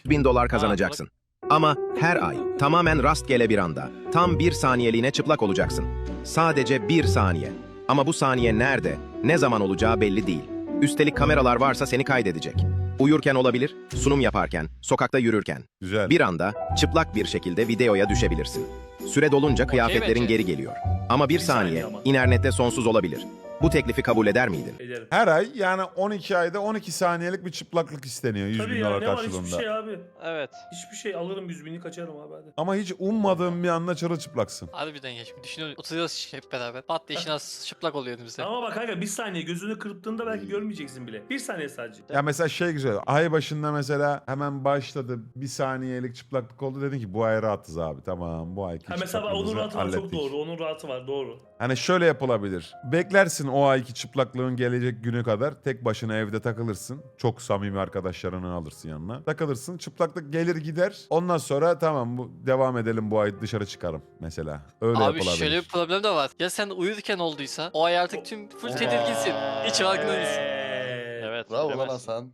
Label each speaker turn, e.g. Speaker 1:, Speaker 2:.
Speaker 1: $1000 kazanacaksın. Ama her ay tamamen rastgele bir anda tam 1 saniyeliğine çıplak olacaksın. Sadece 1 saniye. Ama bu saniye nerede, ne zaman olacağı belli değil. Üstelik kameralar varsa seni kaydedecek. Uyurken olabilir, sunum yaparken, sokakta yürürken.
Speaker 2: Güzel.
Speaker 1: Bir anda çıplak bir şekilde videoya düşebilirsin. Süre dolunca kıyafetlerin
Speaker 3: bence.
Speaker 1: geri geliyor. Ama bir saniye
Speaker 4: ama.
Speaker 1: internette sonsuz olabilir. Bu teklifi kabul eder miydin?
Speaker 4: Ederim.
Speaker 2: Her ay yani 12 ayda 12 saniyelik bir çıplaklık isteniyor 100
Speaker 4: Tabii
Speaker 2: bin
Speaker 4: ya
Speaker 2: dolar
Speaker 4: ne var
Speaker 2: karşılığında.
Speaker 4: hiçbir şey abi.
Speaker 3: Evet.
Speaker 4: Hiçbir şey alırım 100.000'i kaçarım abi hadi.
Speaker 2: Ama hiç ummadığın bir anda çırılçıplaksın.
Speaker 3: Harbiden ya şimdi düşünüyoruz. Oturuyoruz hep beraber. Pat diye işin az çıplak oluyor önümüzde.
Speaker 4: Ama bak kanka bir saniye gözünü kırptığında belki görmeyeceksin bile. Bir saniye sadece.
Speaker 2: Ya mesela şey güzel. Ay başında mesela hemen başladı. Bir saniyelik çıplaklık oldu. Dedin ki bu ay rahatız abi. Tamam bu ayki
Speaker 4: Ha mesela bak, onun
Speaker 2: çıplaklığımızı
Speaker 4: rahatı var çok
Speaker 2: hallettik.
Speaker 4: doğru. Onun rahatı var doğru.
Speaker 2: Hani şöyle yapılabilir. Beklersin o ayki çıplaklığın gelecek günü kadar. Tek başına evde takılırsın. Çok samimi arkadaşlarını alırsın yanına. Takılırsın. Çıplaklık gelir gider. Ondan sonra tamam bu devam edelim bu ay dışarı çıkarım mesela. Öyle
Speaker 3: Abi
Speaker 2: yapılabilir.
Speaker 3: şöyle bir problem de var. Ya sen uyurken olduysa o ay artık tüm full tedirginsin. Hiç farkında değilsin.
Speaker 4: Evet.
Speaker 5: Bravo lan
Speaker 3: bilemezsin.
Speaker 5: Hasan.